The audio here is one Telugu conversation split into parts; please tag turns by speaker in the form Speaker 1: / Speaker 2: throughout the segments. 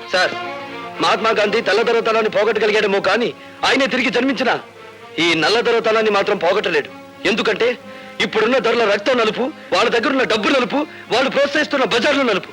Speaker 1: సార్, మహాత్మా గాంధీ తెల్లదొరతనాన్ని పోగొట్టగలిగాడేమో కానీ ఆయనే తిరిగి జన్మించిన ఈ నల్లదొరతనాన్ని మాత్రం పోగొట్టలేడు. ఎందుకంటే ఇప్పుడున్న ధరల రక్తం నలుపు, వాళ్ళ దగ్గరున్న డబ్బు నలుపు, వాళ్ళు ప్రోత్సహిస్తున్న బజార్లు నలుపు.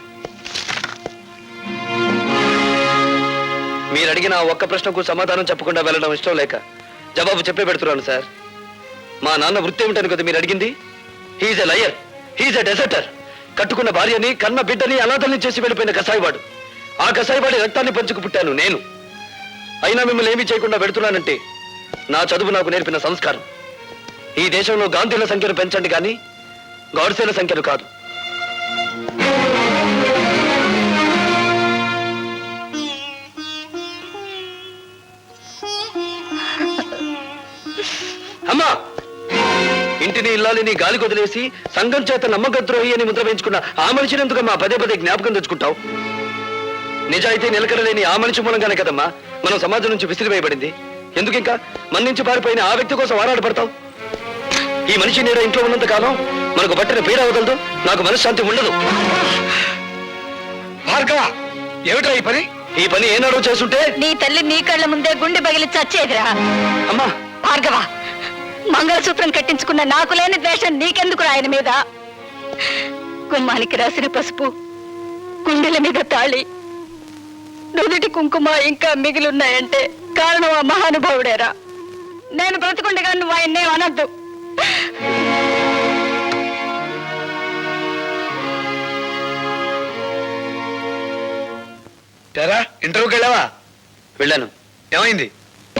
Speaker 1: మీరు అడిగిన ఒక్క ప్రశ్నకు సమాధానం చెప్పకుండా వెళ్ళడం ఇష్టం లేక జవాబు చెప్పే పెడుతున్నాను సార్. మా నాన్న వృత్తి ఏమిటని కదా మీరు అడిగింది? He's a liar, he's a deserter. కట్టుకున్న భార్యని, కన్న బిడ్డని అనాథల్ని చేసి వెళ్ళిపోయిన కసాయివాడు. ఆ కసాయివాడి రక్తాన్ని పంచుకు పుట్టాను నేను. అయినా మిమ్మల్ని ఏమీ చేయకుండా పెడుతున్నానంటే నా చదువు నాకు నేర్పిన సంస్కారం. ఈ దేశంలో గాంధీల సంఖ్యను పెంచండి కానీ గాడ్సేల సంఖ్యను కాదు. అమ్మా, ఇంటిని ఇల్లాలిని గాలి కొదిలేసి సంఘం చేత నమ్మకద్రోహి అని ముద్ర వేయించుకున్న ఆ మనిషిని ఎందుకమ్మా పదే పదే జ్ఞాపకం తెచ్చుకుంటావు? నిజాయితీ నిలకడలేని ఆ మనిషి మూలంగానే కదమ్మా మనం సమాజం నుంచి విసిరివేయబడింది. ఎందుకు ఇంకా మన నుంచి పారిపోయిన ఆ వ్యక్తి కోసం ఆరాటపడతావు? ఈ మనిషి నీడ ఇంట్లో ఉన్నంత కాలం మనకు పట్టిన పీడ వదలదు, నాకు మనశ్శాంతి ఉండదు.
Speaker 2: భార్గవ, ఏమిటా ఈ పని
Speaker 1: ఏనాడో చేస్తుంటే
Speaker 3: నీ తల్లి నీ కళ్ళ ముందే గుండె పగిలి చచ్చేదిరా.
Speaker 1: అమ్మా
Speaker 3: భార్గవ, మంగళసూత్రం కట్టించుకున్న నాకు లేని ద్వేషం నీకెందుకు ఆయన మీద? గుమ్మానికి రాసిన పసుపు, గుండెల మీద తాళి, నుదుటి కుంకుమ ఇంకా మిగిలిన్నాయంటే కారణం ఆ మహానుభావుడేరా. నేను బ్రతుకుండగా నువ్వు ఆయన్నే అనద్దు.
Speaker 2: ఇంటర్వ్యూకి వెళ్ళావా?
Speaker 1: వెళ్ళాను.
Speaker 2: ఏమైంది?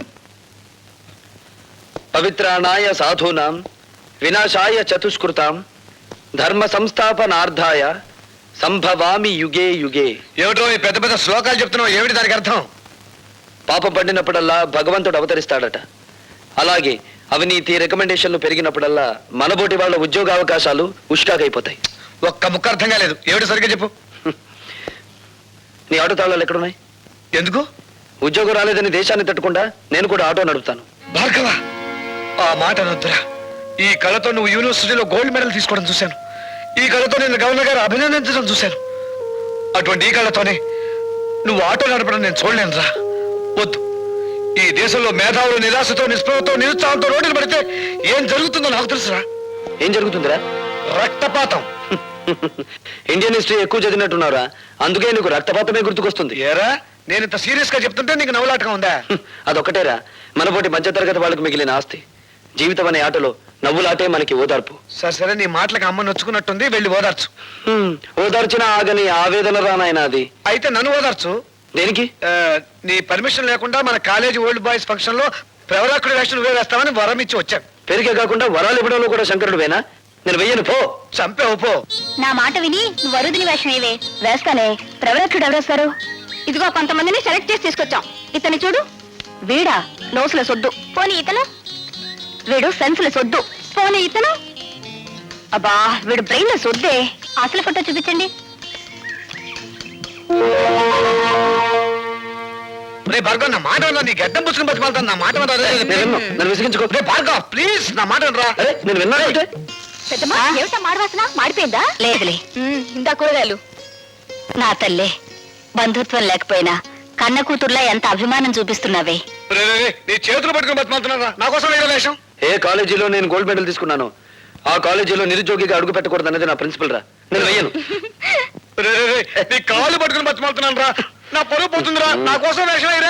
Speaker 1: పవిత్రాణాయ సాధూనాం వినాశాయ చతుష్కృతాం ధర్మ సంస్థాపనార్థాయ సంభవామి యుగే యుగే.
Speaker 2: ఏమిటో ఈ పెద్ద పెద్ద శ్లోకాలు చెప్తున్నావు, ఏమిటి దానికి అర్థం?
Speaker 1: పాపం పడినప్పుడల్లా భగవంతుడు అవతరిస్తాడట. అలాగే అవినీతి రికమెండేషన్లు పెరిగినప్పుడల్లా మనబోటి వాళ్ళ ఉద్యోగ అవకాశాలు ఉష్కాకైపోతాయి.
Speaker 2: ఒక్క ముక్క అర్థం కాలేదు, ఏమిటి సరిగ్గా చెప్పు.
Speaker 1: నీ ఆటో తాళాలు ఎక్కడున్నాయి?
Speaker 2: ఎందుకు?
Speaker 1: ఉద్యోగం రాలేదని దేశాన్ని తట్టుకుండా నేను కూడా ఆటో నడుపుతాను.
Speaker 2: భార్గవ, ఆ మాట అనొద్దురా. ఈ కళతో నువ్వు యూనివర్సిటీలో గోల్డ్ మెడల్ తీసుకోవడం చూశాను. ఈ కళతో నేను గవర్నర్ గారు అభినందించడం చూశాను. అటువంటి ఈ కళతోనే నువ్వు ఆటో నడపడం నేను చూడలేనురా. వద్దు. ఈ దేశంలో మేధావులు నిరాశతో, నిస్పృహతో, నిరుత్సాహంతో రోడ్డులు పడితే ఏం జరుగుతుందో నాకు తెలుసురా.
Speaker 1: ఏం జరుగుతుందిరా?
Speaker 2: రక్తపాతం.
Speaker 1: ఇండియన్ హిస్టరీ ఎక్కువ చదివినట్టున్నారా, అందుకే నీకు రక్తపాతమే గుర్తుకొస్తుంది.
Speaker 2: ఏరా, నేను ఇంత సీరియస్ గా చెప్తుంటే నీకు నవ్వులాటగా ఉందా?
Speaker 1: అదొక్కటేరా మనపోటి మధ్యతరగతి వాళ్ళకు మిగిలిన ఆస్తి. జీవితం అనే ఆటలో నవ్వులాటే మనకి ఓదార్పు.
Speaker 2: సరే సరే, నీ మాటలకు అమ్మ నొచ్చుకున్నట్టుంది, వెళ్ళి ఓదార్చు.
Speaker 1: ఓదార్చిన ఆగని ఆవేదన రానాయన అది.
Speaker 2: అయితే నన్ను ఓదార్చు.
Speaker 1: దేనికి?
Speaker 2: నీ పర్మిషన్ లేకుండా మన కాలేజీ ఓల్డ్ బాయ్స్ ఫంక్షన్ లో ప్రవరాకుడి వేషం నువ్వే వేస్తామని వరం ఇచ్చి వచ్చాను.
Speaker 1: పెరిగే కాకుండా వరాలు ఇవ్వడంలో కూడా శంకరుడు వేనా? నేను వెయ్యను, పో.
Speaker 2: చంపేవు, పో.
Speaker 3: నా మాట విని నువ్వు వరుదిని వేషం ఏవే వేస్తానే. ప్రవరక్షుడు ఎవరేస్తారు? ఇదిగో కొంతమందిని సెలెక్ట్ చేసి తీసుకొచ్చాం. ఇతని చూడు. వీడా నోసుల సొద్దు. పోనీ ఇతను? వీడు సెన్సుల సొద్దు. పోనీ ఇతను? అబ్బా, వీడు బ్రెయిన్ లో సొద్దే. అసలు ఫోటో చూపించండి.
Speaker 2: భార్గవ్, నా మాట నీ గడ్డం పుచ్చుకుని బతిమాలుతాను. నా మాట
Speaker 1: నన్ను విసిగించుకో.
Speaker 2: భార్గవ్ ప్లీజ్, నా మాట రా.
Speaker 1: నేను విన్నానంటే
Speaker 3: ఏమిటా మాడవాసన? మాడిపోయిందా? లేదులే, ఇందా కూరగాయలు. నా తల్లే, బంధుత్వం లేకపోయినా కన్న కూతుర్లా ఎంత అభిమానం చూపిస్తున్నావే.
Speaker 2: నీ చేతులు పట్టుకుని బతిమాలుతున్నారా? నా కోసం వేరే వేషం.
Speaker 1: ఏ కాలేజీలో నేను గోల్డ్ మెడల్ తీసుకున్నాను ఆ కాలేజీలో నిరుద్యోగిగా అడుగు పెట్టకూడదు అనేది నా ప్రిన్సిపల్ రా. నేను వెయ్యను.
Speaker 2: నీ కాళ్ళు పట్టుకుని బతిమాలుతున్నాను రా. నా పొరుగు పోతుందిరా. నా కోసం వేషం అయిరా.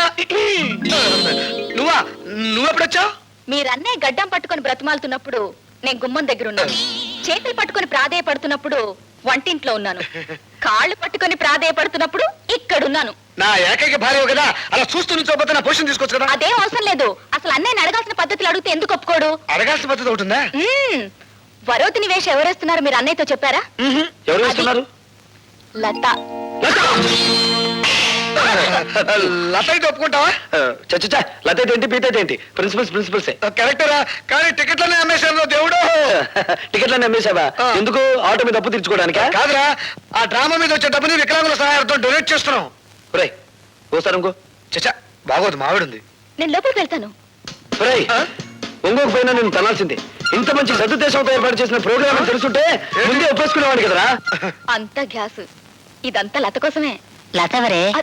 Speaker 2: నువ్వెప్పుడొచ్చావు?
Speaker 3: మీరన్నే గడ్డం పట్టుకొని బ్రతిమాలుతున్నప్పుడు నేను గుమ్మం దగ్గర ఉన్నాను. చేతులు పట్టుకొని ప్రాధేయపడుతున్నప్పుడు వంటింట్లో ఉన్నాను. కాళ్ళు పట్టుకొని ప్రాధేయపడుతున్నప్పుడు ఇక్కడున్నాను.
Speaker 2: నా ఏకైక భార్య కదా, అలా చూస్తూ నుంచోపోతే నా పొజిషన్ తీసుకోవచ్చు కదా.
Speaker 3: అదేం అవసరం లేదు. అసలు అన్నయ్య అడగాల్సిన పద్ధతులు అడిగితే ఎందుకు ఒప్పుకోడు?
Speaker 2: అడగాల్సిన పద్ధతి ఉంటుందా?
Speaker 3: వరోతిని వేషం ఎవరేస్తున్నారు మీరు అన్నయ్యతో చెప్పారా?
Speaker 1: ఎవరు వేస్తున్నారు?
Speaker 3: లత.
Speaker 2: లత అయితే ఒప్పుకుంటావా?
Speaker 1: చచ్చా, లత ఏంటి, పీత ఏంటి? ప్రిన్సిపల్సే.
Speaker 2: కరెక్టరా, కానీ టికెట్లనే అమ్మేశాను దేవుడు.
Speaker 1: టికెట్లన్నీ అమ్మేశావా? ఎందుకు? ఆటో మీద అప్పు తీర్చుకోవడానికి
Speaker 2: కాదురా, ఆ డ్రామా మీద వచ్చే డబ్బుని వికలాంగుల సహాయంతో డొనేట్ చేస్తున్నాం.
Speaker 1: ఒరేయ్, ఓసారి ఇంకో.
Speaker 2: చచ్చా, బాగోదు, మావిడుంది.
Speaker 3: నేను లోపలికి వెళ్తాను.
Speaker 1: ఒరేయ్, ఇంకొక పైన నేను తనాల్సిందే. ఇంత మంచి సదుద్దేశంతో ఏర్పాటు చేసిన ప్రోగ్రామ్ తెలుసుంటే ముందే ఒప్పేసుకునేవాడు కదరా.
Speaker 3: అంత గ్యాస్, ఇదంతా లత కోసమే. లత ఎవరే?